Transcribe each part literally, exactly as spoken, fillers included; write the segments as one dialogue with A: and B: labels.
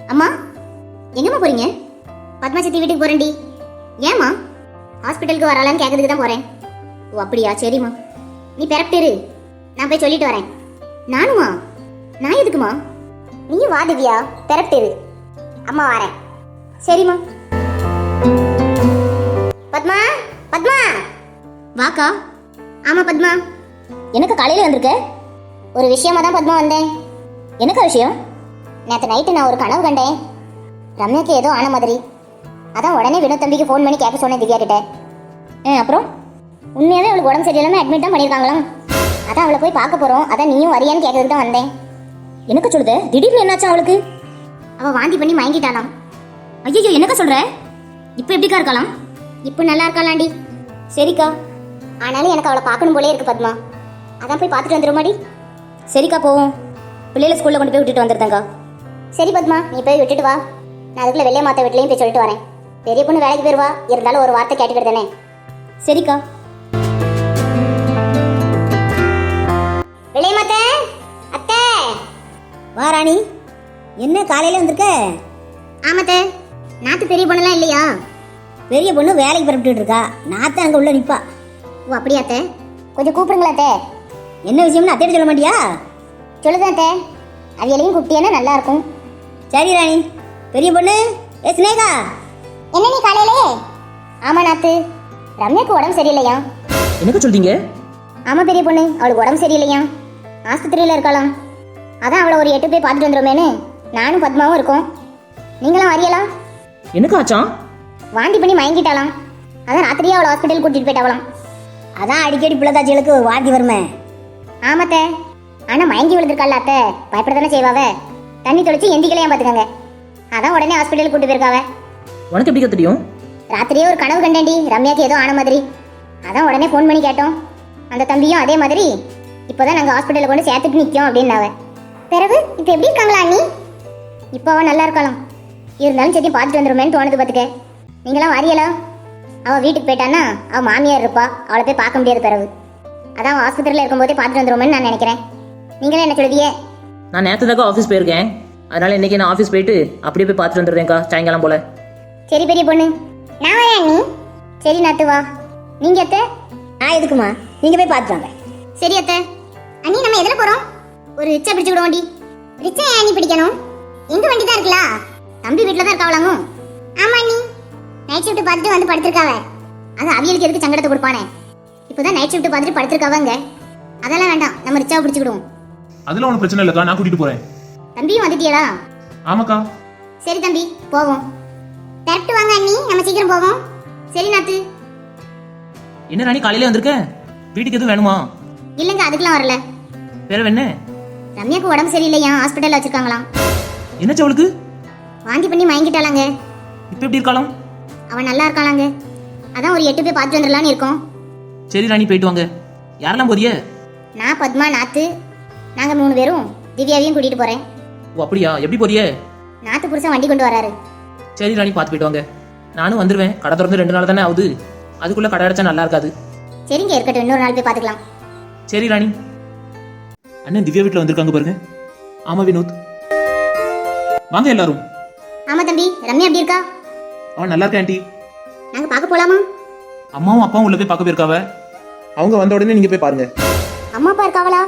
A: அம்மா எங்கம்மா போறீங்க? பத்மா சித்தி வீட்டுக்கு போறேன்டி. ஏம்மா? ஹாஸ்பிட்டலுக்கு வரலான்னு கேட்கறதுக்கு தான் போறேன். ஓ அப்படியா, சரிம்மா. நீ பெறப்பிட்டு நான் போய் சொல்லிட்டு வரேன். நானுமா? நான் எதுக்குமா? நீ வா திவ்யா, பெறப்பிட்டு அம்மா வரேன். சரிம்மா. பத்மா, பத்மா வாக்கா. ஆமா பத்மா. எனக்கு காலையில வந்திருக்க? ஒரு விஷயமா தான் பத்மா வந்தேன். என்னக்கா விஷயம்? நேற்று நைட்டு நான் ஒரு கனவு கண்டேன். ரம்யாக்கு ஏதோ ஆன மாதிரி. அதான் உடனே வினோத் தம்பிக்கு ஃபோன் பண்ணி கேட்க சொன்னேன் திவ்யா கிட்ட. ஏ அப்புறம் உண்மையாவே அவளுக்கு உடம்பு சரியில்லாமல் அட்மிட் தான் பண்ணியிருக்காங்களாம். அதான் அவளை போய் பார்க்க போகிறோம். அதான் நீயும் வரியான்னு கேட்கறதுக்கு தான் வந்தேன். எனக்கு சொல்லுது, திடீர்னு என்னாச்சும் அவளுக்கு? அவள் வாந்தி பண்ணி மயங்கிட்டாலாம். ஐயோ, என்னக்கா சொல்கிற? இப்போ எப்படிக்கா இருக்கலாம்? இப்போ நல்லா இருக்காளாண்டி. சரிக்கா, ஆனாலும் எனக்கு அவளை பார்க்கணும் போலே இருக்கு பத்மா. அதான் போய் பார்த்துட்டு வந்துடுமாடி. சரிக்கா போவோம். பிள்ளைகளை ஸ்கூலில் கொண்டு போய் விட்டுட்டு வந்துருந்தேங்க்கா. சரி பத்மா, நீ போய் விட்டுட்டு வா. நான் அதுக்குள்ள வெள்ளைய மாத்த வீட்லையும் போய் சொல்லிட்டு வரேன். பெரிய பொண்ணு வேலைக்கு போயிருவா, இருந்தாலும் ஒரு வார்த்தை கேட்டுக்கிட்டு தானே. சரிக்கா. வெள்ளைய மாத்த அத்தை.
B: வா ராணி, என்ன காலையில வந்திருக்க?
A: ஆமாத்த. நாத்து பெரிய பொண்ணுலாம் இல்லையா?
B: பெரிய பொண்ணு வேலைக்கு புறப்பட்டு இருக்கா. நாத்த அங்க உள்ள நிப்பா.
A: ஓ அப்படியா அத்தை? கொஞ்சம் கூப்பிடுங்களா அத்தை.
B: என்ன விஷயம்னு அத்தையிட்ட சொல்ல மாட்டியா?
A: சொல்லுதான் அத்தை. அவையிலையும் குட்டியானா நல்லா இருக்கும்.
B: சரி ராணி. பெரிய பொண்ணு, ஏ சினேகா.
A: என்ன நீ காலையிலே? ஆமா நாத்து, ரம்யாக்கு உடம்பு சரியில்லையா?
C: என்னக்க சொல்றீங்க?
A: ஆமா பெரிய பொண்ணு, அவளுக்கு உடம்பு சரியில்லையா, ஆஸ்பத்திரியில இருக்கலாம். அதான் அவளை ஒரு எட்டு போய் பார்த்துட்டு வந்துடுமேனு நானும் பத்மாவும் இருக்கோம். நீங்களாம் வரியலாம்?
C: எனக்கு ஆச்சான்?
A: வாந்தி பண்ணி மயங்கிட்டாலாம். அதான் ராத்திரியே அவளை ஹாஸ்பிட்டல் கூட்டிட்டு போயிட்டாவலாம்.
B: அதான் அடிக்கடி பிள்ளைதாச்சிகளுக்கு வாந்தி வருமே.
A: ஆமாத்த. ஆனா மயங்கி விழுந்திருக்காள் அத்தை, பயப்பட தானே செய்வாவ. தண்ணி தொளிச்சு எந்திக்கலையா பாத்துக்கங்க. அதான் உடனே ஹாஸ்பிட்டல் கூட்டு போயிருக்காவ.
C: உனக்கு எப்படி தெரியும்?
A: ராத்திரியே ஒரு கனவு கண்டேன்டி, ரம்யாக்கு ஏதோ ஆன மாதிரி. அதான் உடனே ஃபோன் பண்ணி கேட்டோம். அந்த தம்பியும் அதே மாதிரி இப்போதான் நாங்கள் ஹாஸ்பிட்டலில் கொண்டு சேர்த்துட்டு நிற்கும் அப்படின்னாவ. பிறகு இப்போ எப்படி இருக்காங்களா அண்ணி? இப்போ அவன் நல்லா இருக்கலாம். இருந்தாலும் சரி பார்த்துட்டு வந்துடுமேன்னு தோணுது பார்த்துக்க. நீங்களாம் வரியலா? அவள் வீட்டுக்கு போயிட்டான்னா அவள் மாமியார் இருப்பா, அவளை போய் பார்க்க முடியாது. பிறகு அதான் அவள் ஆஸ்பத்திரியில் இருக்கும்போதே பார்த்துட்டு வந்துடுமேன்னு நான் நினைக்கிறேன். நீங்களே என்ன சொல்லுதியே?
C: நான் நேற்று தாக்கா ஆஃபீஸ் போயிருக்கேன். அதனால இன்னைக்கு நான் ஆஃபீஸ் போயிட்டு அப்படியே போய் பார்த்துட்டு வந்துடுறேன்க்கா, சாயங்காலம் போல.
A: சரி பெரிய பொண்ணு, நான் வரேன் அண்ணி. சரி நாத்து வா. நீங்க அத்தை?
B: நான் எதுக்குமா, நீங்க போய் பார்த்துட்டு வாங்க.
A: சரி அத்தை. அண்ணி நம்ம எதில் போகிறோம்? ஒரு ரிச்சா பிடிச்சு விட வண்டி. ரிச்சா ஏன் அண்ணி பிடிக்கணும்? எங்க வண்டி தான் இருக்குல்ல, தம்பி வீட்டில் தான் இருக்காவலாங்க. ஆமா அண்ணி, நைட் ஷிஃப்ட் பார்த்துட்டு வந்து படுத்திருக்காவ. அது அவியலுக்கு எதுக்கு சங்கடத்தை கொடுப்பானே. இப்போதான் நைட் ஷிஃப்ட் பார்த்துட்டு படுத்திருக்காவங்க. அதெல்லாம் வேண்டாம், நம்ம ரிச்சாவை பிடிச்சிக்கிடுவோம்.
D: அதெல்லாம் ஒன்றும் பிரச்சனை இல்லைக்கா, நான் கூட்டிட்டு போறேன்.
A: தம்பியும் வந்துட்டியடா?
D: ஆமாக்கா.
A: சரி தம்பி போவோம். கரெக்ட் வாங்க அண்ணி, நம்ம சீக்கிரம் போவோம். சரி நாத்து.
C: என்ன ராணி காலையில வந்திருக்க? வீட்டுக்கு எதுவும் வேணுமா?
A: இல்லைங்க, அதுக்கெல்லாம் வரல.
C: வேற என்ன?
A: ரம்யாக்கு உடம்பு சரியில்லையா, ஹாஸ்பிட்டல்ல வச்சிருக்காங்களாம்.
C: என்னச்சு அவளுக்கு?
A: வாந்தி பண்ணி மயங்கிட்டாளாங்க.
C: இப்போ எப்படி இருக்கலாம்?
A: அவன் நல்லா இருக்காளாங்க. அதான் ஒரு எட்டு போய் பார்த்துட்டு வந்துடலான்னு இருக்கோம்.
C: சரி ராணி, போயிட்டு வாங்க. யாரெல்லாம் போறிய?
A: நான் பத்மா நாத்து, நாங்க மூணு பேரும் திவ்யாவையும் கூட்டிட்டு போறேன்.
C: ஓ அப்படியா, எப்படி போறிய?
A: நாத்து புருஷன் வண்டி கொண்டு வராரு.
C: சரி ராணி, பார்த்து போயிட்டு வாங்க. நானும் வந்துடுவேன். கடை திறந்து ரெண்டு நாள் தானே ஆகுது, அதுக்குள்ள கடை அடைச்சா நல்லா இருக்காது.
A: சரிங்க, இருக்கட்டும், இன்னொரு நாள் போய் பார்த்துக்கலாம்.
C: சரி ராணி.
D: அண்ணன் திவ்யா வீட்டில் வந்திருக்காங்க பாருங்க. ஆமா வினோத், வாங்க எல்லாரும்.
A: ஆமா தம்பி, ரம்யா எப்படி இருக்கா?
D: அவன் நல்லா இருக்கா ஆண்டி.
A: நாங்க பார்க்க போலாமா?
D: அம்மாவும் அப்பாவும் உள்ள போய் பார்க்க போயிருக்காவ. அவங்க வந்த உடனே நீங்க போய் பாருங்க.
A: அம்மா அப்பா இருக்காவளா?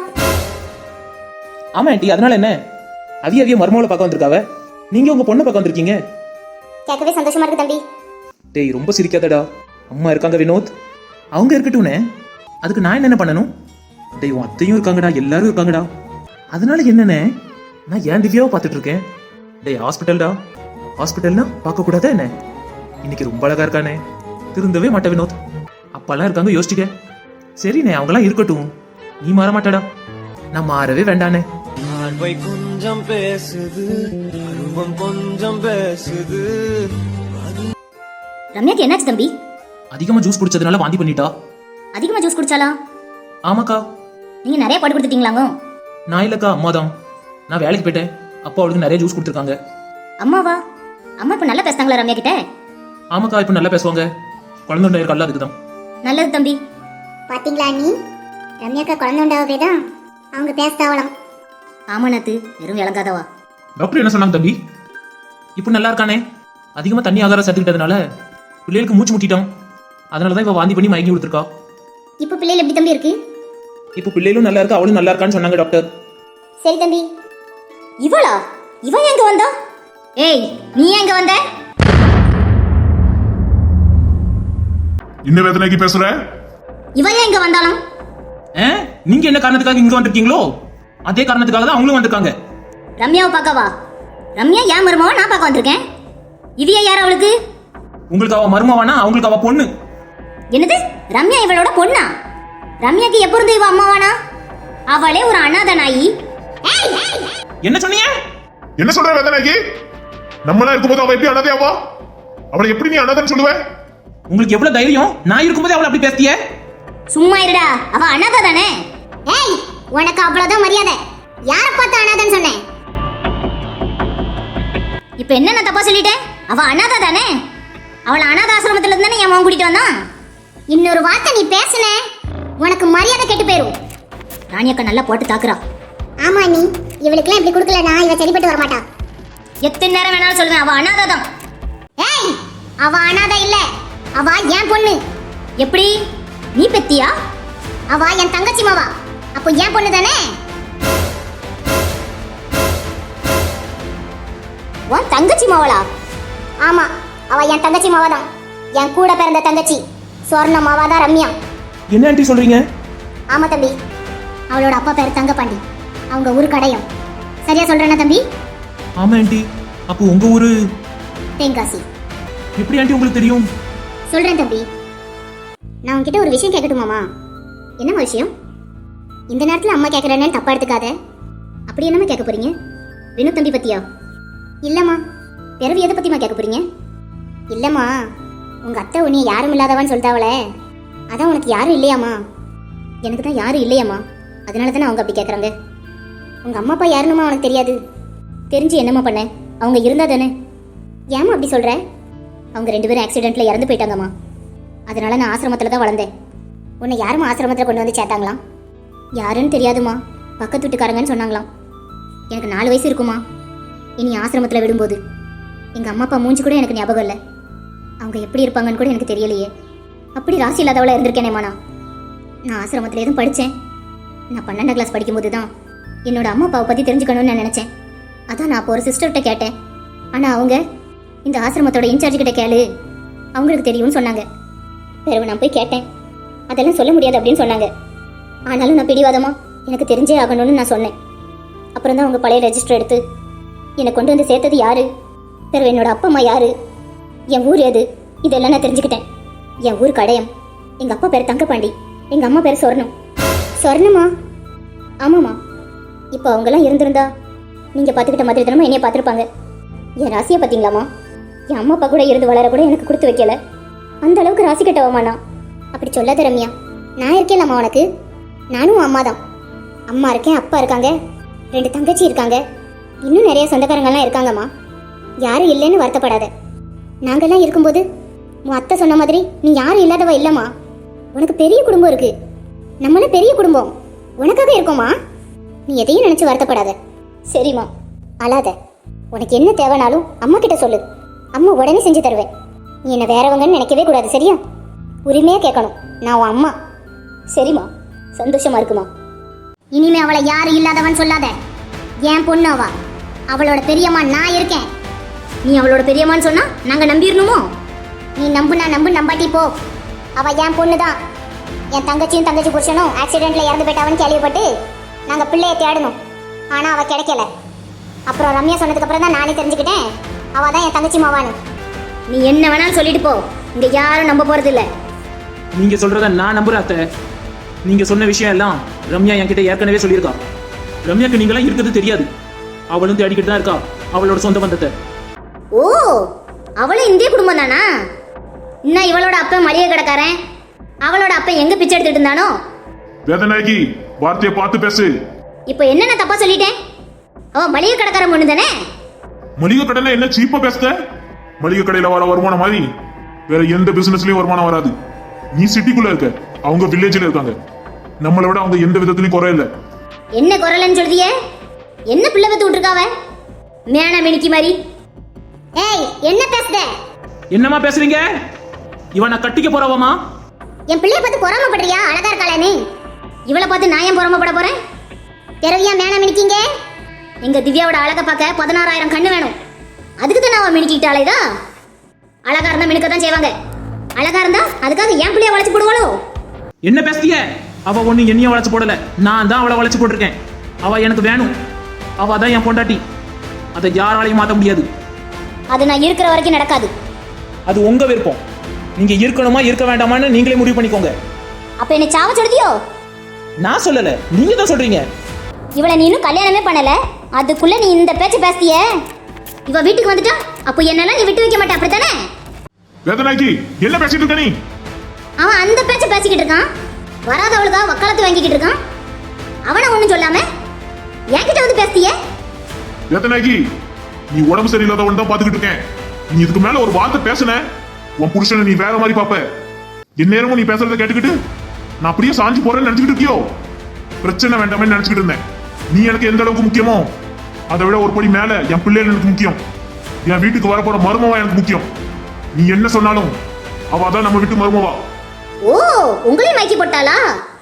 D: ஆமா ஆண்டி, அதனால என்ன? அவிய அவிய மருமகளை பார்க்க வந்திருக்காவ. நீங்க உங்க பொண்ணை பார்க்க வந்திருக்கீங்க.
A: கேட்கவே சந்தோஷமா இருக்கு தம்பி.
D: டேய் ரொம்ப சிரிக்காதடா. அம்மா இருக்காங்க வினோத், அவங்க இருக்கட்டும்னே. அதுக்கு நான் என்ன பண்ணணும்? டேய் உன் அத்தையும் இருக்காங்கடா, எல்லாரும் இருக்காங்கடா. அதனால என்னண்ணே, நான் ஏன் திவ்யாவை பார்த்துட்டு இருக்கேன். டேய் ஹாஸ்பிட்டல்டா, ஹாஸ்பிட்டல்னா பார்க்க கூடாதா என்ன? இன்னைக்கு ரொம்ப அழகா இருக்கானே, திருந்தவே மாட்டே வினோத். அப்பெல்லாம் இருக்காங்க, யோசிச்சுக்க. சரிண்ணே, அவங்களாம் இருக்கட்டும், நீ மாற மாட்டடா. நான் மாறவே வேண்டானே.
E: பார்வை கொஞ்சம் பேசுது, அருவம் கொஞ்சம் பேசுது.
A: ரம்யாக்கு என்னாச்சு தம்பி?
C: அதிகமா ஜூஸ் குடிச்சதுனால வாந்தி பண்ணிட்டா.
A: அதிகமா ஜூஸ் குடிச்சாலா?
C: ஆமாக்கா.
A: நீங்க நிறைய போட்டு கொடுத்துட்டீங்களாங்க?
C: நான் இல்லக்கா, அம்மா தான். நான் வேலைக்கு போயிட்டேன், அப்பா அவளுக்கு நிறைய ஜூஸ் கொடுத்துருக்காங்க.
A: அம்மாவா? அம்மா இப்ப நல்லா பேசுறாங்களா ரம்யா கிட்ட?
D: ஆமாக்கா, இப்ப நல்லா பேசுவாங்க. குழந்தை உண்டா இருக்கல்ல, அதுக்குதான்.
A: நல்லது தம்பி. பாத்தீங்களா நீ, ரம்யாக்கா குழந்தை உண்டாவே தான் அவங்க பேசுதாவலாம். ஆமா நாத்து, வெறும் விளங்காதவா.
D: டாக்டர் என்ன சொன்னாங்க தம்பி? இப்போ நல்லா இருக்கானே. அதிகமா தண்ணி ஆகாரம் சேர்த்துக்கிட்டதுனால பிள்ளைகளுக்கு மூச்சு முட்டிட்டான். அதனாலதான் இவ வாந்தி பண்ணி மயங்கி கொடுத்துருக்கா.
A: இப்போ பிள்ளைகள் எப்படி தம்பி இருக்கு?
D: இப்போ பிள்ளைகளும் நல்லா இருக்கு, அவளும் நல்லா இருக்கான்னு சொன்னாங்க டாக்டர்.
A: சரி தம்பி. இவளா? இவன் எங்க வந்தா? ஏய், நீ எங்க வந்த?
F: என்ன வேதனைக்கு பேசுற?
A: இவன் எங்க வந்தாலும்?
D: ஆ? நீங்க என்ன காரணத்துக்காக இங்க வந்திருக்கீங்களோ அதே காரணத்துக்காக தான் அவங்களும் வந்திருக்காங்க.
A: ரம்யாவை பார்க்கவா? ரம்யா ஏன் மருமாவா நான் பார்க்க வந்திருக்கேன். இவிய யார் அவளுக்கு?
D: உங்களுக்கு அவ மருமவானா, அவங்களுக்கு அவ பொண்ணு.
A: என்னது? ரம்யா இவளோட பொண்ணா? ரம்யாக்கு எப்ப இருந்து இவ அம்மாவானா? அவளே ஒரு அனாதை நாயி. ஏய், ஏய்.
D: என்ன சொன்னீங்க?
F: என்ன சொல்ற வேதனைக்கு? நம்மளா இருக்கும்போது அவ எப்படி அனாதையாவா? அவளை எப்படி நீ அனாதைன்னு சொல்லுவ?
D: உங்களுக்கு எவ்வளவு தைரியம்? நான் இருக்கும்போது அவளை அப்படி பேசிய?
A: சும்மா இருடா, அவ அனாதை தானே. ஏய், உனக்கு அவ்வளவுதான் மரியாதை. யார பார்த்து அனாதைன்னு சொன்னேன்? இப்ப என்ன நான் தப்பா சொல்லிட்டேன்? அவ அனாதை தானே. அவளை அனாதை ஆசிரமத்துல இருந்து தானே என் மகன் கூட்டிட்டு வந்தான். இன்னொரு வார்த்தை நீ பேசுன உனக்கு மரியாதை கெட்டு போயிரும். ராணியக்கா நல்லா போட்டு தாக்குறா. ஆமா நீ இவளுக்குலாம் இப்படி கொடுக்கலனா இவ சரிப்பட்டு வர மாட்டா. எத்தனை நேரம் வேணாலும் சொல்லுவேன், அவ அனாதை தான். ஏய், அவ அனாதை இல்ல, அவ என் பொண்ணு. எப்படி? நீ பெத்தியா? அவ என் தங்கச்சி மாவா, அப்போ என் பொண்ணு தானே. உன் தங்கச்சி மாவளா? ஆமா, அவ என் தங்கச்சி மாவா தான். என் கூட பிறந்த தங்கச்சி சுவர்ண மாவா தான் ரம்யா.
D: என்ன ஆண்டி சொல்றீங்க?
A: ஆமா தம்பி, அவளோட அப்பா பேர் தங்கப்பாண்டி, அவங்க ஊரு கடையம். சரியா சொல்றேனா தம்பி?
D: ஆமா ஆண்டி. அப்போ உங்க ஊரு
A: தென்காசி.
D: எப்படி ஆண்டி உங்களுக்கு தெரியும்?
A: சொல்றேன் தம்பி. நான் உன்கிட்ட ஒரு விஷயம் கேட்கட்டுமாமா? என்னம்மா விஷயம்? இந்த நேரத்துல அம்மா கேட்கறேன்னு தப்பா எடுத்துக்காத. அப்படி என்னம்மா கேட்க போறீங்க? வினு தம்பி பத்தியா? இல்லம்மா. பிறவி எதை பத்திமா கேட்க போறீங்க? இல்லம்மா, உங்க அத்தை உன்னை யாரும் இல்லாதவான்னு சொல்லிட்டாவளே, அதான் உனக்கு யாரும் இல்லையாமா? எனக்கு தான் யாரும் இல்லையாம்மா, அதனால தானே அவங்க அப்படி கேட்குறாங்க. உங்க அம்மா அப்பா யாருன்னுமா உனக்கு தெரியாது. தெரிஞ்சு என்னம்மா பண்ண? அவங்க இருந்தா தானே. ஏம்மா அப்படி சொல்ற? அவங்க ரெண்டு பேரும் ஆக்சிடென்ட்ல இறந்து போயிட்டாங்கம்மா. அதனால நான் ஆசிரமத்தில் தான் வளர்ந்தேன். உன்னை யாரும் ஆசிரமத்தில் கொண்டு வந்து சேர்த்தாங்களாம். யாருன்னு தெரியாதுமா, பக்கத்து வீட்டுக்காரங்கன்னு சொன்னாங்களாம். எனக்கு நாலு வயசு இருக்குமா இனி ஆசிரமத்தில் விடும்போது. எங்கள் அம்மா அப்பா மூஞ்சி கூட எனக்கு ஞாபகம் இல்லை. அவங்க எப்படி இருப்பாங்கன்னு கூட எனக்கு தெரியலையே. அப்படி ராசி இல்லாதவளை இருந்திருக்கேனேம்மா. நான் நான் ஆசிரமத்தில் எதுவும் படித்தேன். நான் பன்னெண்டாம் கிளாஸ் படிக்கும்போது தான் என்னோட அம்மா அப்பாவை பற்றி தெரிஞ்சுக்கணும்னு நான் நினச்சேன். அதான் நான் அப்போ ஒரு சிஸ்டர்கிட்ட கேட்டேன். ஆனால் அவங்க இந்த ஆசிரமத்தோட இன்சார்ஜ் கிட்ட கேளு, அவங்களுக்கு தெரியும்னு சொன்னாங்க. பிறகு நான் போய் கேட்டேன். அதெல்லாம் சொல்ல முடியாது அப்படின்னு சொன்னாங்க. ஆனாலும் நான் பிடிவாதமா எனக்கு தெரிஞ்சே ஆகணும்னு நான் சொன்னேன். அப்புறம் தான் அவங்க பழைய ரெஜிஸ்டர் எடுத்து என்னை கொண்டு வந்து சேர்த்தது யாரு, பிறகு என்னோட அப்பா அம்மா யாரு, என் ஊர் எது, இதெல்லாம் நான் தெரிஞ்சுக்கிட்டேன். என் ஊர் கடையம். எங்கள் அப்பா பேர் தங்கப்பாண்டி, எங்கள் அம்மா பேர் சொர்ணம். சொர்ணமா? ஆமாம்மா. இப்போ அவங்கெல்லாம் இருந்திருந்தா நீங்கள் பார்த்துக்கிட்ட மாதிரி தினமும் என்னைய பார்த்துருப்பாங்க. என் ராசியை பார்த்தீங்களாம்மா? என் அம்மா அப்பா கூட இருந்து வளர கூட எனக்கு கொடுத்து வைக்கல. அந்த அளவுக்கு ராசி கட்டவாமா நான். அப்படி சொல்லாத ரம்யா. நான் இருக்கேன்லம்மா உனக்கு. நானும் அம்மா தான். அம்மா இருக்கேன், அப்பா இருக்காங்க, ரெண்டு தங்கச்சி இருக்காங்க, இன்னும் நிறைய சொந்தக்காரங்கள்லாம் இருக்காங்கம்மா. யாரும் இல்லைன்னு வருத்தப்படாத. நாங்கள்லாம் இருக்கும்போது உன் அத்தை சொன்ன மாதிரி நீ யாரும் இல்லாதவ இல்லைம்மா. உனக்கு பெரிய குடும்பம் இருக்கு. நம்மளும் பெரிய குடும்பம் உனக்காக இருக்கோம்மா. நீ எதையும் நினைச்சு வருத்தப்படாத. சரிம்மா, அழாத. உனக்கு என்ன தேவைனாலும் அம்மா கிட்ட சொல்லு, அம்மா உடனே செஞ்சு தருவேன். நீ என்ன வேறவங்கன்னு நினைக்கவே கூடாது, சரியா? உரிமையா கேட்கணும், நான் உன் அம்மா. சரிம்மா, சந்தோஷமா இருக்குமா? இனிமே அவளை யாரும் இல்லாதவன் சொல்லாத. என் பொண்ணு அவ. அவளோட பெரியம்மா நான் இருக்கேன். நீ அவளோட பெரியம்மான்னு சொன்னா நாங்க நம்பிடணுமோ? நீ நம்புனா நம்பு, நம்பாட்டி போ. அவ என் பொண்ணு தான். என் தங்கச்சியும் தங்கச்சி புருஷனும் ஆக்சிடென்ட்ல இறந்து போயிட்டாவன்னு கேள்விப்பட்டு நாங்க பிள்ளைய தேடணும். ஆனா அவ கிடைக்கல. அப்புறம் ரம்யா சொன்னதுக்கு அப்புறம் தான் நானே தெரிஞ்சுக்கிட்டேன் அவ தான் என் தங்கச்சி மாவான்னு. நீ என்ன வேணாலும் சொல்லிட்டு போ, இங்க யாரும் நம்ப போறது இல்ல.
D: நீங்க சொல்றத நான் நம்புறேன் அத்தை. நீங்க சொன்ன விஷயம் எல்லாம் ரம்யா என்கிட்ட ஏற்கனவே சொல்லியிருக்கா. ரம்யாக்கு நீங்களாம் இருக்கிறது தெரியாது. அவளும் தேடிக்கிட்டு தான் இருக்கா அவளோட சொந்த பந்தத்தை.
A: ஓ, அவளும் இந்திய குடும்பம் தானா? இன்னும் இவளோட அப்பா மளிகை கடைக்காரன், அவளோட அப்பா எங்க பிச்சை எடுத்துட்டு இருந்தானோ?
F: வேதனைக்கு வார்த்தையை பார்த்து பேசு.
A: இப்போ என்ன நான் தப்பா சொல்லிட்டேன்? அவ மளிகை கடைக்காரன் பொண்ணு தானே?
F: மளிகை கடையில என்ன சீப்பா பேசுத? மளிகை கடையில வர வருமானம் மாதிரி வேற எந்த பிசினஸ்லயும் வருமானம் வராது. நீ சிட்டிக்குள்ள இருக்க, அவங்க வில்லேஜ்ல இருக்காங்க. நம்மளை விட அவங்க எந்த விதத்திலயும் குறை இல்ல.
A: என்ன குரலன்னு சொல்றியே? என்ன பிள்ளை பத்து விட்டுருக்காவ? மேனா மினிக்கி மாதிரி. ஏய் என்ன பேசுத?
C: என்னம்மா பேசுறீங்க? இவன் நான் கட்டிக்க போறவமா?
A: என் பிள்ளைய பார்த்து பொறாமப்படுறியா? அழகா இருக்காளே. இவளை பார்த்து நான் ஏன் பொறாமப்பட போறேன்? பிறவியா மேனா மினிக்கீங்க? எங்க திவ்யாவோட அழகை பார்க்க பதினாறாயிரம் கண்ணு வேணும். அதுக்கு தான் அவன் மினிக்கிட்டாளேதா. அழகா இருந்தா மினுக்க தான் செய்வாங்க. அழகா இருந்தா அதுக்காக என் பிள்ளைய வளைச்சு போடுவாளோ?
C: என்ன பேசுறீங்க? அவ ஒண்ணு என்னைய வளைச்சு போடல, நான் தான் அவளை வளைச்சு போட்டிருக்கேன். அவ எனக்கு வேணும், அவ தான் என் பொண்டாட்டி. அதை யாராலையும் மாத்த முடியாது.
A: அது நான் இருக்கிற வரைக்கும் நடக்காது.
C: அது உங்க விருப்பம். நீங்க இருக்கணுமா இருக்க வேண்டாமான்னு நீங்களே முடிவு பண்ணிக்கோங்க.
A: அப்ப என்ன சாவ சொல்லுதியோ?
C: நான் சொல்லல, நீங்க தான் சொல்றீங்க.
A: இவளை நீ இன்னும் கல்யாணமே பண்ணல, அதுக்குள்ள நீ இந்த பேச்சு பேசிய. இவ வீட்டுக்கு வந்துட்டா அப்போ என்னெல்லாம் நீ விட்டு வைக்க மாட்டே, அப்படித்தானே?
F: வேதனாக்கி என்ன பேசிட்டு இருக்க நீ?
A: அவன் அந்த பேச்ச பேசிக்கிட்டு இருக்கான். வராதவளுக்கா வக்காலத்து வாங்கிக்கிட்டு இருக்கான். அவனை ஒண்ணும் சொல்லாம என்கிட்ட வந்து பேசிய.
F: வேதனாக்கி நீ உடம்பு சரியில்லாதவன் தான் பாத்துக்கிட்டு இருக்கேன். நீ இதுக்கு மேல ஒரு வார்த்தை பேசுன உன் புருஷனை நீ வேற மாதிரி பாப்ப. என் நேரமும் நீ பேசுறத கேட்டுக்கிட்டு நான் அப்படியே சாஞ்சு போறேன்னு நினைச்சுக்கிட்டு இருக்கியோ? பிரச்சனை வேண்டாமே நினைச்சுக்கிட்டு இருந்தேன். நீ எனக்கு எந்த அளவுக்கு முக்கியமோ அதை விட ஒரு படி மேல என் பிள்ளைகள் எனக்கு முக்கியம். என் வீட்டுக்கு வரப்போற மருமவா எனக்கு முக்கியம். நீ என்ன சொன்னாலும் அவ தான் நம்ம வீட்டு மருமவா.
A: ஓ, உங்களையும் மயக்கி போட்டாளா?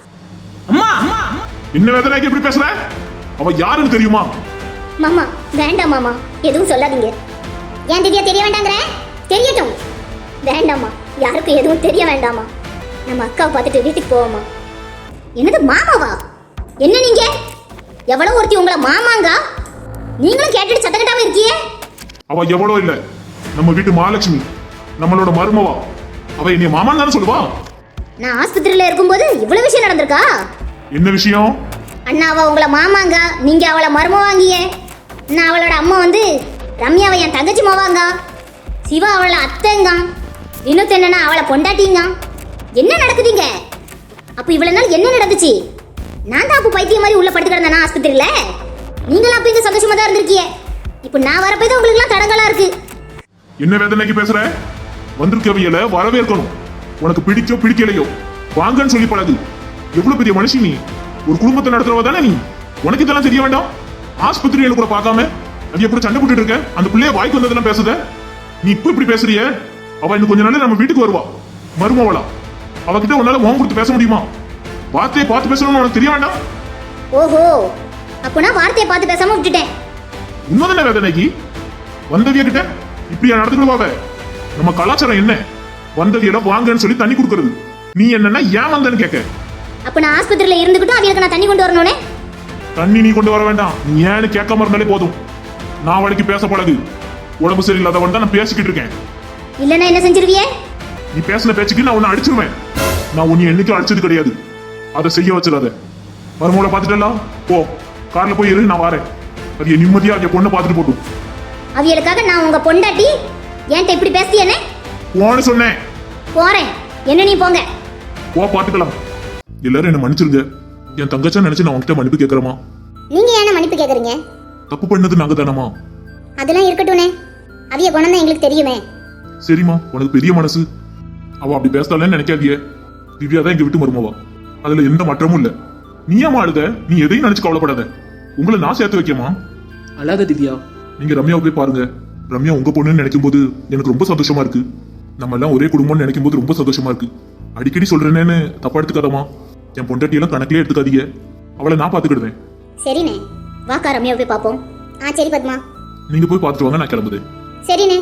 C: அம்மா அம்மா அம்மா.
F: என்ன வேதனைக்கு எப்படி பேசுற? அவ யாருன்னு தெரியுமா?
A: மாமா வேண்டாம் மாமா, எதுவும் சொல்லாதீங்க. ஏன் திவ்யா தெரிய வேண்டாங்கிற? தெரியட்டும். வேண்டாமா, யாருக்கும் எதுவும் தெரிய வேண்டாமா. நம்ம அக்காவை பார்த்துட்டு வீட்டுக்கு போவோமா? என்னது மாமாவா? என்ன நீங்க? எவ்வளவு ஒருத்தி உங்களை மாமாங்க? நீங்களும் கேட்டுட்டு சத்தம் கட்டாம இருக்கியே.
F: அவ எவ்வளோ இல்ல, நம்ம வீட்டு மகாலட்சுமி, நம்மளோட மருமவா. அவ என்னைய மாமான்னு தானே சொல்லுவா.
A: நான் ஆஸ்பத்திரியில இருக்கும்போது இவ்வளவு விஷயம் நடந்திருக்கா?
F: என்ன விஷயம்?
A: அண்ணா அவ உங்களை மாமாங்க, நீங்க அவளை மருமவாங்கிய. நான் அவளோட அம்மா வந்து ரம்யாவை என் தங்கச்சி மாவாங்க. சிவா அவளை அத்தைங்க. வினோத் என்னன்னா அவளை பொண்டாட்டிங்க. என்ன நடக்குதுங்க? அப்ப இவ்வளவு நாள் என்ன நடந்துச்சு? நான் தான் அப்போ பைத்தியம் மாதிரி உள்ள படுத்து கிடந்தேனா ஆஸ்பத்திரியில? நீங்களும் அப்ப இங்க சந்தோஷமா தான் இருந்திருக்கீங்க. இப்போ நான் வரப்போய் தான் உங்களுக்கு எல்லாம் தடங்களா இருக்கு.
F: என்ன வேதனைக்கு பேசுற? வந்திருக்கவியல வரவேற்கணும். உனக்கு பிடிச்சோ பிடிக்கலையோ வாங்கன்னு சொல்லி பழகு. எவ்வளவு பெரிய மனுஷி நீ, ஒரு குடும்பத்தை நடத்துறவ தானே நீ. உனக்கு இதெல்லாம் தெரிய வேண்டாம்? ஆஸ்பத்திரியில கூட பார்க்காம அது எப்படி சண்டை போட்டுட்டு இருக்க? அந்த பிள்ளைய வாய்க்கு வந்ததெல்லாம் பேசுத. நீ இப்ப இப்படி பேசுறிய? அவ இன்னும் கொஞ்ச நாள் நம்ம வீட்டுக்கு வருவா, மருமவளா. அவகிட்ட உன்னால மோகம் கொடுத்து பேச முடியுமா? வார்த்தையை பார்த்து பேசணும்னு உனக்கு தெரிய வேண்டாம்?
A: ஓஹோ, அப்போ நான் வார்த்தையை பார்த்து பேசாம விட்டுட்டேன்.
F: உண்மைதானே வேதனைக்கு? வந்தவிய கிட்ட இப்படியா நடந்துக்கிடுவாவ? நம்ம கலாச்சாரம் என்ன? வந்தவியிடம் வாங்கன்னு சொல்லி தண்ணி கொடுக்கறது. நீ என்னன்னா ஏன் வந்தன்னு கேட்க.
A: அப்ப நான் ஆஸ்பத்திரியில இருந்துகிட்டும் அவங்களுக்கு நான் தண்ணி கொண்டு வரணும்னே.
F: தண்ணி நீ கொண்டு வர வேண்டாம், நீ ஏன்னு கேட்காம இருந்தாலே போதும். நான் வழிக்கு பேச பழகு. உடம்பு சரியில்லாதவன் தான் நான் பேசிக்கிட்டு இருக்கேன்.
A: இல்லன்னா என்ன செஞ்சிருவியே?
F: நீ பேசின பேச்சுக்கு நான் உன்னை அடிச்சிருவேன். நான் உன்னை என்னைக்கும் அடிச்சது கிடையாது. அதை செய்ய வச்சிடாத. மருமகளை பார்த்துட்டலாம், போ கார்ல போய் இரு, நான் வரேன். அது என் நிம்மதியா என் பொண்ணை பார்த்துட்டு போட்டும்.
A: அவியலுக்காக நான் உங்க பொண்டாட்டி என்கிட்ட இப்படி பேசியனே?
F: போன்னு சொன்னேன்.
A: போறேன், என்ன நீ போங்க.
F: போ, பார்த்துக்கலாம். எல்லாரும் என்ன மன்னிச்சிருங்க. என் தங்கச்சா நினைச்சு நான் உன்கிட்ட மன்னிப்பு கேட்கறமா?
A: நீங்க ஏன் மன்னிப்பு கேக்குறீங்க?
F: தப்பு பண்ணது நாங்க தானமா?
A: அதெல்லாம் இருக்கட்டும்னே, அவிய குணம் தான் எங்களுக்கு தெரியுமே.
F: சரிம்மா, உனக்கு பெரிய மனசு. அவ அப்படி பேசலான்னு நினைக்காதிய. திவ்யா தான் எங்க வீட்டு மருமவா, அதுல எந்த மாற்றமும் இல்ல. நீ ஏமா அழுத? நீ எதையும் நினைச்சு கவலைப்படாத. உங்களை நான் சேர்த்து வைக்கமா?
C: அழாத திவ்யா.
F: நீங்க ரம்யாவை போய் பாருங்க. ரம்யா உங்க பொண்ணுன்னு நினைக்கும் போது எனக்கு ரொம்ப சந்தோஷமா இருக்கு. நம்ம எல்லாம் ஒரே குடும்பம்னு நினைக்கும் போது ரொம்ப சந்தோஷமா இருக்கு. அடிக்கடி சொல்றேன்னு தப்பா எடுத்துக்காதமா. என் பொண்டாட்டியெல்லாம் கணக்கிலே எடுத்துக்காதீங்க. அவளை நான் பாத்துக்கிடுவேன்.
A: சரிண்ணே, வாக்கா ரம்யாவை போய் பாப்போம். ஆ சரி பத்மா,
F: நீங்க போய் பாத்துட்டு வாங்க, நான் கிளம்புது.
A: சரிண்ணே.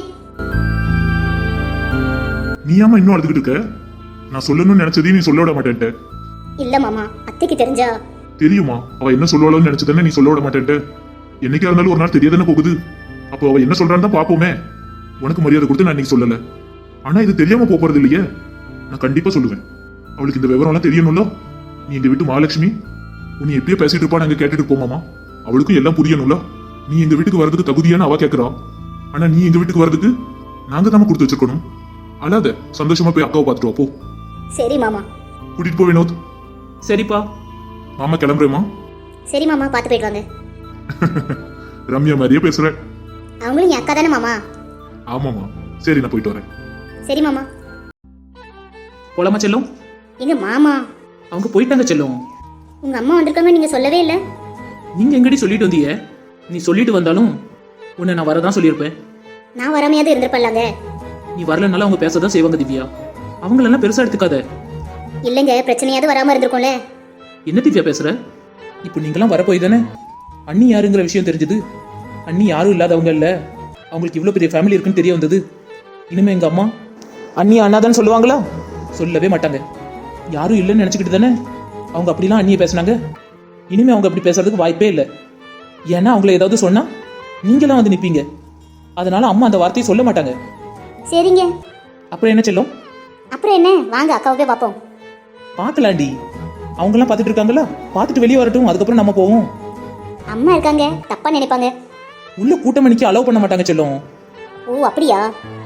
F: நீ ஏமா இன்னும் அழுதுகிட்டு இருக்க? நான் சொல்லணும்னு நினைச்சதையும் நீ சொல்ல விட மாட்டேன்ட்ட.
A: இல்ல மாமா, அத்தைக்கு தெரிஞ்சா.
F: தெரியுமா அவ என்ன சொல்லுவாளோன்னு நினைச்சதானே நீ சொல்ல விட மாட்டேன்ட்ட. என்னைக்கா இருந்தாலும் ஒரு நாள் தெரியாதானே போகுது. அப்போ அவ என்ன சொல்றான்னு தான் பாப்போமே. உனக்கு மரியாதை கொடுத்து நான் இன்னைக்கு சொல்லல. ஆனா இது தெரியாம போறது இல்லையே. நான் கண்டிப்பா சொல்லுவேன். அவளுக்கு இந்த விவரம் எல்லாம் தெரியணும்ல. நீ எங்க வீட்டு மகாலட்சுமி, உன்னை எப்படியோ பேசிட்டு இருப்பா, நாங்க கேட்டுட்டு போமாமா. அவளுக்கும் எல்லாம் புரியணும்ல. நீ எங்க வீட்டுக்கு வர்றதுக்கு தகுதியான்னு அவ கேட்கறா. ஆனா நீ எங்க வீட்டுக்கு வர்றதுக்கு நாங்க தான் கொடுத்து வச்சிருக்கணும். அல்லாத சந்தோஷமா போய் அக்காவை பார்த்துட்டு வா, போ.
A: சரி மாமா.
F: கூட்டிட்டு போ வினோத்.
C: சரிப்பா.
F: மாமா கிளம்புறேமா?
A: சரி மாமா, பார்த்து போயிட்டு வாங்க.
F: ரம்யா மாதிரியே பேசுற.
A: அவங்களும் என் அக்கா தானே மாமா.
F: ஆமாமா, சரி நான் போயிட்டு வரேன்.
A: சரி மாமா.
C: போலாமா செல்லும்?
A: எங்க மாமா?
C: அவங்க போயிட்டாங்க செல்லும்.
A: உங்க அம்மா வந்திருக்காங்க, நீங்க சொல்லவே இல்லை.
C: நீங்க எங்கடி சொல்லிட்டு வந்தீங்க? நீ சொல்லிட்டு வந்தாலும் உன்னை நான் வரதான் சொல்லியிருப்பேன்.
A: நான் வராமையாவது இருந்திருப்பல்லாங்க.
D: நீ வரலனால அவங்க பேசதான் செய்வாங்க திவ்யா. அவங்களெல்லாம் பெருசா எடுத்துக்காத.
A: இல்லைங்க, பிரச்சனையாவது வராம இருந்திருக்கும்ல.
D: என்ன திவ்யா பேசுற? இப்போ நீங்களாம் வரப்போய் தானே அண்ணி யாருங்கிற விஷயம் தெரிஞ்சது. அண்ணி யாரும் இல்லாதவங்க இல்ல, அவங்களுக்கு இவ்வளோ பெரிய ஃபேமிலி இருக்குன்னு தெரிய வந்தது. இனிமே எங்க அம்மா அண்ணி அண்ணாதான் சொல்லுவாங்களா? சொல்லவே மாட்டாங்க. யாரும் இல்லைன்னு நினச்சிக்கிட்டு தானே அவங்க அப்படிலாம் அண்ணியை பேசுனாங்க. இனிமே அவங்க அப்படி பேசுறதுக்கு வாய்ப்பே இல்லை. ஏன்னா அவங்கள ஏதாவது சொன்னா நீங்களாம் வந்து நிற்பீங்க. அதனால அம்மா அந்த வார்த்தையை சொல்ல மாட்டாங்க.
A: சரிங்க.
D: அப்புறம் என்ன செல்லும்?
A: அப்புறம் என்ன, வாங்க அக்காவை போய் பார்ப்போம்.
D: பார்க்கலாண்டி. அவங்கெல்லாம் பார்த்துட்டு இருக்காங்களா? பார்த்துட்டு வெளியே வரட்டும், அதுக்கப்புறம் நம்ம போவோம்.
A: அம்மா இருக்காங்க, தப்பா நினைப்பாங்க.
D: உள்ள கூட்டம் மணிக்கு அலோவ் பண்ண மாட்டாங்க செல்லும்.
A: ஓ அப்படியா?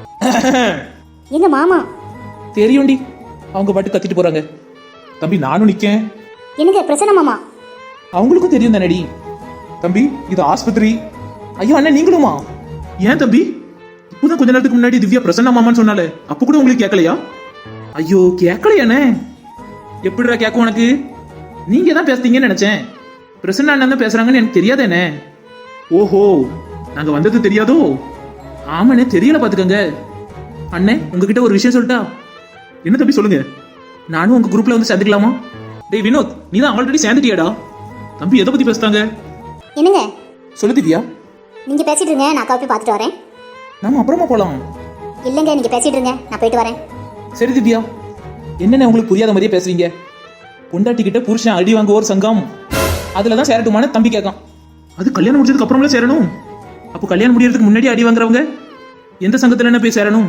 A: எங்க மாமா?
D: தெரியும்டி, அவங்க பாட்டு கத்திட்டு போறாங்க. தம்பி நானும் நிக்கேன்.
A: எனக்கு பிரச்சனை மாமா.
D: அவங்களுக்கும் தெரியும் தானடி. தம்பி இது ஆஸ்பத்திரி. ஐயோ அண்ணன் நீங்களுமா? ஏன் தம்பி? இப்போதான் கொஞ்ச நேரத்துக்கு முன்னாடி திவ்யா பிரசன்னா மாமான்னு சொன்னாலே, அப்ப கூட உங்களுக்கு கேட்கலையா? ஐயோ கேட்கலையானே? எப்படிடா கேட்கும் உனக்கு? நீங்க தான் பேசுறீங்கன்னு நினைச்சேன். பிரசன்னா அண்ணன் தான் பேசுறாங்கன்னு எனக்கு தெரியாதேனே. ஓஹோ, நாங்க வந்தது தெரியாதோ? ஆமாண்ணே, தெரியல பாத்துக்கங்க. அண்ணே உங்ககிட்ட ஒரு விஷயம் சொல்லிட்டா? என்ன தம்பி சொல்லுங்க. நானும் உங்க குரூப்ல வந்து சேர்ந்துக்கலாமா? டேய் வினோத், நீ தான் ஆல்ரெடி சேர்ந்துட்டியாடா. தம்பி எதை பத்தி பேசுறாங்க?
A: என்னங்க?
D: சொல்லு திவ்யா.
A: நீங்க பேசிட்டு இருங்க, நான் அக்காவை போய் பார்த்துட்டு வரேன்.
D: நாம அப்புறமா போலாம்.
A: இல்லைங்க, நீங்க பேசிட்டு இருங்க, நான் போயிட்டு வரேன்.
D: சரி திவ்யா. என்னென்ன உங்களுக்கு புரியாத மாதிரியே பேசுறீங்க? பொண்டாட்டி கிட்ட புருஷன் அடி வாங்க ஒரு சங்கம், அதுலதான் சேரட்டுமான தம்பி கேட்கான். அது கல்யாணம் முடிச்சதுக்கு அப்புறம்ல சேரணும். அப்போ கல்யாணம் முடியறதுக்கு முன்னாடி அடி வாங்குறவங்க எந்த சங்கத்துல என்ன போய் சேரணும்?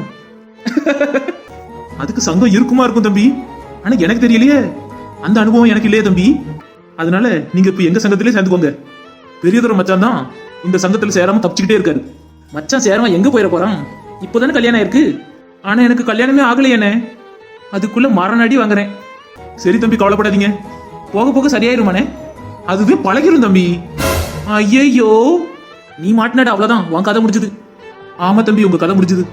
D: அதுக்கு சங்கம் இருக்குமா இருக்கும் தம்பி. ஆனா எனக்கு தெரியலையே, அந்த அனுபவம் எனக்கு இல்லையே தம்பி. அதனால நீங்க இப்ப எங்க சங்கத்திலே சேர்ந்துக்கோங்க. பெரியதொரு மச்சான் தான் இந்த சங்கத்துல சேராம தப்பிச்சுக்கிட்டே இருக்காரு. மச்சான் சேராம எங்க போயிட போறான்? இப்போதானே கல்யாணம் ஆயிருக்கு. ஆனா எனக்கு கல்யாணமே ஆகலையேனே. அதுக்குள்ள மரண அடி வாங்குறேன். சரி தம்பி கவலைப்படாதீங்க, போக போக சரியாயிருமானே. அதுவே பழகிரும் தம்பி. ஐயோ நீ மாட்டினாட, அவ்வளவுதான், உன் கதை முடிஞ்சது. ஆமா தம்பி, உங்க கதை முடிஞ்சது.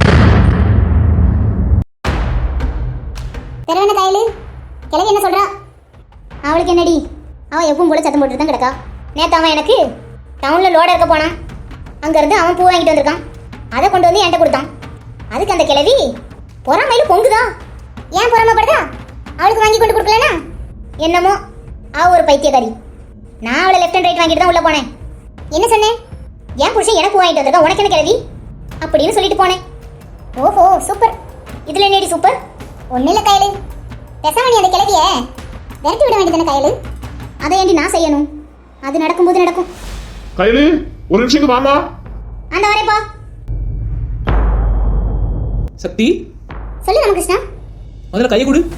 A: தெரவன கையில கிளவி என்ன சொல்றா? அவளுக்கு என்னடி, அவன் எப்பவும் போல சத்தம் போட்டுட்டு தான் கிடக்கா. நேத்து அவன் எனக்கு டவுன்ல லோட இருக்க போனான். அங்க இருந்து அவன் பூ வாங்கிட்டு வந்திருக்கான். அதை கொண்டு வந்து என்கிட்ட கொடுத்தான். அதுக்கு அந்த கிளவி பொறாமையில பொங்குதா. ஏன் பொறாமப்படுதா? அவளுக்கு வாங்கி கொண்டு கொடுக்கலனா என்னமோ அவ ஒரு பைத்தியக்காரி. நான் அவளை லெஃப்ட் அண்ட் ரைட் வாங்கிட்டு தான் உள்ள போனேன். என்ன சொன்னேன்? ஏன் புருஷன் எனக்கு பூ வாங்கிட்டு வந்திருக்கா, உனக்கு என்ன கிளவி அப்படின்னு சொல்லிட்டு போனேன். ஓஹோ சூப்பர். இதுல என்னடி சூப்பர்? ஒன்னும் இல்ல கையில, பேசாம நீ அந்த கிளவிய விரட்டி விட வேண்டியதானே கையில. அதை ஏண்டி நான் செய்யணும்? அது நடக்கும்போது நடக்கும்.
F: கையில ஒரு நிமிஷம் வாமா.
A: அந்த வரேப்பா.
D: சக்தி
A: சொல்லு ராமகிருஷ்ணா.
D: முதல்ல கையை கொடு.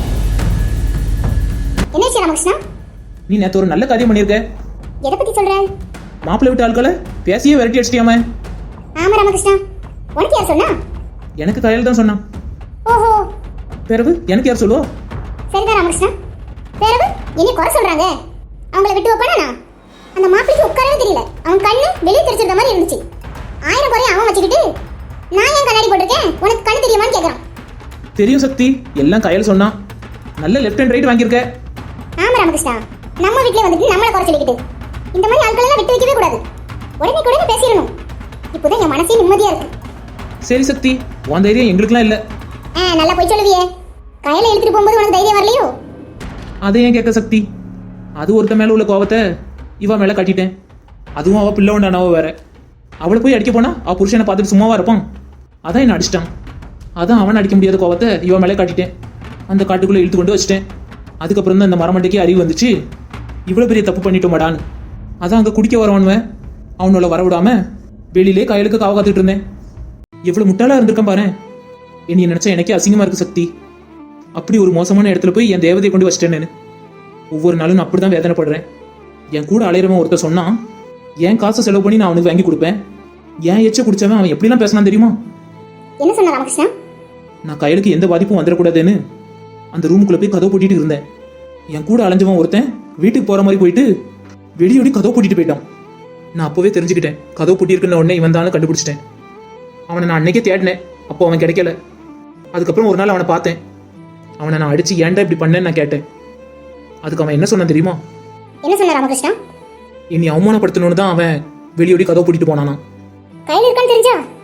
A: என்னாச்சு ராமகிருஷ்ணா?
D: நீ நேத்து ஒரு நல்ல காரியம் பண்ணிருக்க.
A: எதை பத்தி சொல்ற?
D: மாப்பிள்ளை விட்டு ஆட்களை பேசியே விரட்டி அடிச்சிட்டியாம.
A: ஆமா ராமகிருஷ்ணா. உனக்கு யார் சொன்னா?
D: எனக்கு கையில் தான் சொன்னான்.
A: ஓஹோ.
D: பிறகு எனக்கு யார் சொல்லுவா?
A: சரிதான் ராமகிருஷ்ணா. பிறகு இனி குறை சொல்றாங்க, அவங்கள விட்டு வைப்பானா? அந்த மாப்பிளைக்கு உட்காரவே தெரியல. அவன் கண்ணு வெளியே தெரிச்சிருந்த மாதிரி இருந்துச்சு. ஆயிரம் குறைய அவன் வச்சுக்கிட்டு நான் ஏன் கண்ணாடி போட்டிருக்கேன், உனக்கு கண்ணு தெரியுமான்னு கேட்கறான்.
D: தெரியும் சக்தி, எல்லாம் கையில் சொன்னான். நல்ல லெஃப்ட் அண்ட் ரைட் வாங்கியிருக்க.
A: ஆமா ராமகிருஷ்ணா, நம்ம வீட்லயே வந்துட்டு நம்மள குறை சொல்லிக்கிட்டு இந்த மாதிரி ஆட்கள் எல்லாம் விட்டு வைக்கவே கூடாது. உடனே உடனே பேசிடணும். இப்போதான் என் மனசே நிம்மதியா இருக்கு.
D: சரி சக்தி, உன் தைரியம் எங்களுக்குலாம் இல்லை.
A: ஆ நல்லா போய் சொல்லுவியே. கையில எடுத்துட்டு போகும்போது உனக்கு தைரியம் வரலையோ?
D: அதை ஏன் கேட்க சக்தி? அது ஒருத்த மேல உள்ள கோவத்தை இவ மேல கட்டிட்டேன். அதுவும் அவ பிள்ளை உண்டானவ வேற. அவளை போய் அடிக்க போனா அவ புருஷனை பார்த்துட்டு சும்மாவா இருப்பான்? அதான் என்ன அடிச்சிட்டான். அதான் அவன் அடிக்க முடியாத கோவத்தை இவ மேலே காட்டிட்டேன். அந்த காட்டுக்குள்ள இழுத்து கொண்டு வச்சிட்டேன். அதுக்கப்புறம் தான் இந்த மரமண்டைக்கு அறிவு வந்துச்சு, இவ்வளவு பெரிய தப்பு பண்ணிட்டோமாடான்னு. அதான் அங்க குடிக்க வரவனுவன் அவனோட வரவிடாம வெளியிலே கையலுக்கு காவ காத்துட்டு இருந்தேன். எவ்வளவு முட்டாளா இருந்திருக்கேன் பாரு. என்னைய நினைச்சா எனக்கே அசிங்கமா இருக்கு சக்தி. அப்படி ஒரு மோசமான இடத்துல போய் என் தேவதையை கொண்டு வச்சிட்டேன்னு ஒவ்வொரு நாளும் நான் அப்படிதான் வேதனைப்படுறேன். என் கூட அலையிறவன் ஒருத்தர் சொன்னான், என் காசை செலவு பண்ணி நான் அவனுக்கு வாங்கி கொடுப்பேன். ஏன் எச்ச குடிச்சவன் அவன் எப்படிலாம் பேசினான் தெரியுமா?
A: என்ன சொன்ன ராமகிருஷ்ணா?
D: நான் கையலுக்கு எந்த பாதிப்பும் வந்துடக்கூடாதுன்னு அந்த ரூமுக்குள்ள போய் கதவு பூட்டிட்டு இருந்தேன். என் கூட அலைஞ்சவன் ஒருத்தன் வீட்டுக்கு போற மாதிரி போயிட்டு வெடியோடி கதவு பூட்டிட்டு போயிட்டான். நான் அப்பவே தெரிஞ்சுக்கிட்டேன், கதவு பூட்டியிருக்குன்னு உடனே இவன் தான் கண்டுபிடிச்சிட்டேன். அவனை நான் அன்னைக்கே தேடினேன், அப்போ அவன் கிடைக்கல. அதுக்கப்புறம் ஒரு நாள் அவனை பார்த்தேன். அவனை நான் அடிச்சு ஏன்டா இப்படி பண்ணேன்னு நான் கேட்டேன். அதுக்கு அவன் என்ன சொன்னான் தெரியுமா?
A: என்ன சொன்ன ராமகிருஷ்ணா?
D: என்னை அவமானப்படுத்தணும்னு தான் அவன் வெளியோடி கதவு பூட்டிட்டு போனானா.
A: கையில இருக்கான்னு தெரிஞ்சா?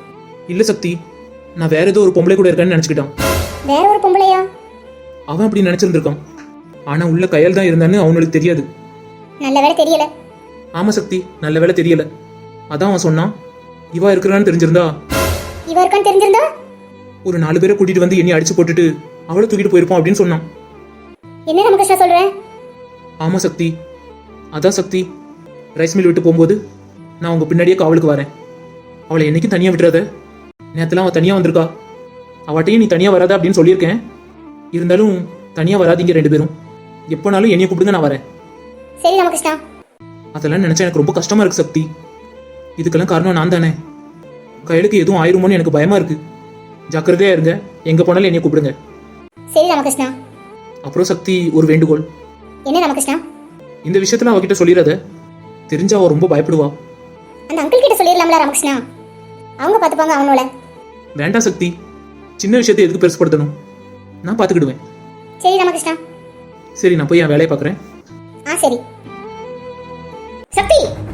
D: இல்ல சக்தி, நான் வேற ஏதோ ஒரு பொம்பளை கூட இருக்கேன்னு நினைச்சுக்கிட்டான்.
A: வேற ஒரு பொம்பளையா?
D: அவன் அப்படி நினைச்சிருந்திருக்கான். ஆனா உள்ள கையல் தான் இருந்தான்னு அவனுக்கு தெரியாது.
A: நல்ல வேலை தெரியல.
D: ஆமா சக்தி, நல்ல வேலை தெரியல. அதான் அவன் சொன்னான், இவா இருக்கிறான்னு தெரிஞ்சிருந்தா
A: இவ இருக்கான்னு தெரிஞ்சிருந்தா
D: ஒரு நாலு பேரை கூட்டிட்டு வந்து என்னை அடிச்சு போட்டுட்டு அவளை தூக்கிட்டு போயிருப்பான் அப்படின்னு சொன்னான்.
A: என்ன ராமகிருஷ்ணா சொல்ற?
D: ஆமா சக்தி, அதான் சக்தி, ரைஸ் மில் விட்டு போகும்போது நான் உங்க பின்னாடியே காவலுக்கு வரேன். அவளை என்னைக்கும் தனியா விட்டுறாத. நேரத்துல அவன் தனியா வந்திருக்கா. அவட்டையும் நீ தனியா வராத அப்படின்னு சொல்லியிருக்கேன். இருந்தாலும் தனியா வராதீங்க ரெண்டு பேரும். எப்போனாலும் என்னைய கூப்பிடுங்க, நான் வரேன்.
A: சரி ராமகிருஷ்ணா.
D: அதெல்லாம் நினைச்சா எனக்கு ரொம்ப கஷ்டமா இருக்கு சக்தி. இதுக்கெல்லாம் காரணம் நான் தானே. கையலுக்கு எதுவும் ஆயிருமோன்னு எனக்கு பயமா இருக்கு. ஜாக்கிரதையா இருங்க, எங்க போனாலும் என்னைய கூப்பிடுங்க.
A: சரி ராமகிருஷ்ணா.
D: அப்புறம் சக்தி, ஒரு வேண்டுகோள்.
A: என்ன ராமகிருஷ்ணா?
D: இந்த விஷயத்துல அவகிட்ட சொல்லிடாத. தெரிஞ்சா அவ ரொம்ப பயப்படுவா.
A: அந்த அங்கிள் கிட்ட சொல்லிடலாம்ல ராமகிருஷ்ணா, அவங்க பாத்துப்பாங்க அவனோட.
D: வேண்டாம் சக்தி, சின்ன விஷயத்தை எதுக்கு பெருசுப்படுத்தணும்? நான் பாத்துக்கிடுவேன்.
A: சரி ராமகிருஷ்ணா.
D: சரி, நான் போய் என் வேலையை பாக்குறேன்.
A: ஆ சரி. சக்தி